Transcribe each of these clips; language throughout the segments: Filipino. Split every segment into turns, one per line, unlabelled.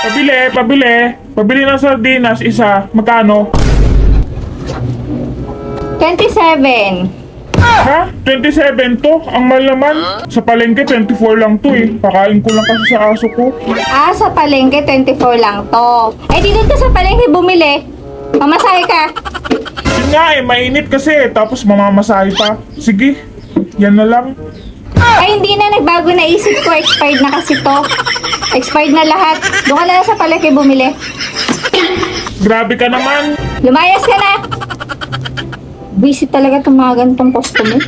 Pabili ng sardinas, isa. Magkano?
27.
Ha? 27 to? Ang mahal naman. Sa palengke, 24 lang to eh. Pakain ko lang kasi sa aso ko.
Ah, sa palengke, 24 lang to. Eh, di doon ka sa palengke bumili. Mamasahe ka.
Yun nga eh, mainit kasi. Tapos mamamasahe pa. Sige, yan na lang.
Ay, hindi na. Nagbago na isip ko. Expired na kasi to. Expired na lahat. Doon ka na lang sa palengke bumili.
Grabe ka naman.
Lumayas ka na. Busy talaga itong mga ganitong customer.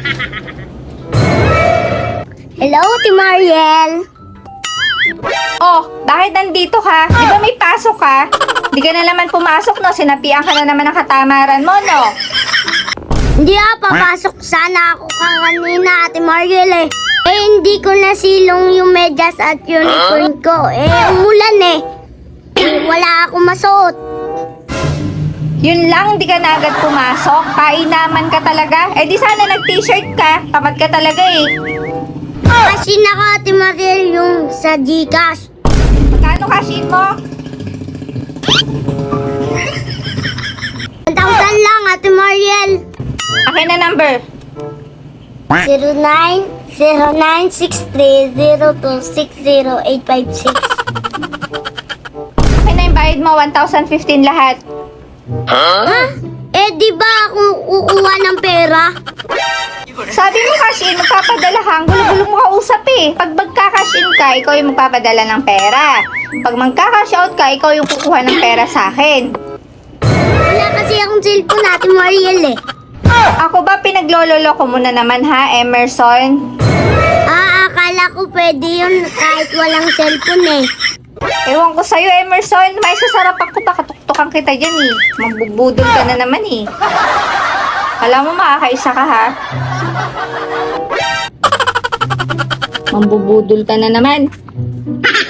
Hello, Ate Mariel.
Oh, bakit nandito ka? Di ba may pasok ka? Di ka na naman pumasok, no? Sinapian ka na naman ng katamaran mo, no?
Hindi papasok sana ako kanina, Ate Mariel eh. Eh, hindi ko nasilong yung medyas at unicorn ko. Eh, umulan eh. Wala akong masuot.
Yun lang, di ka na agad pumasok. Kainaman ka talaga. Eh, di sana nag-t-shirt ka. Tamad ka talaga eh.
Kasi naka, Ate Mariel, yung sa Gcash.
Magkano cashin mo?
1,000 lang, Ate Mariel.
Akin na number.
090963026086.
Akin na yung bayad mo, 1,015 lahat.
Ha? Eh, di ba ako kukuha ng pera?
Sabi mo cash in, magpapadala ka. Ang gulo-gulo mo kausap eh. Pag magka-cash in ka, ikaw yung magpapadala ng pera. Pag magka-cash out ka, ikaw yung kukuha ng pera sa akin.
Wala kasi akong cellphone, Ate Mariel eh.
Ako ba pinaglololo ko muna naman ha, Emerson?
Akala ko pwede yun kahit walang cellphone eh.
Ewan ko sa'yo, Emerson. May sasarapan ko pa, katuktukan kita dyan eh. Magbubudol ka na naman eh. Alam mo, makakaisa ka ha. Mambubudol ka na naman.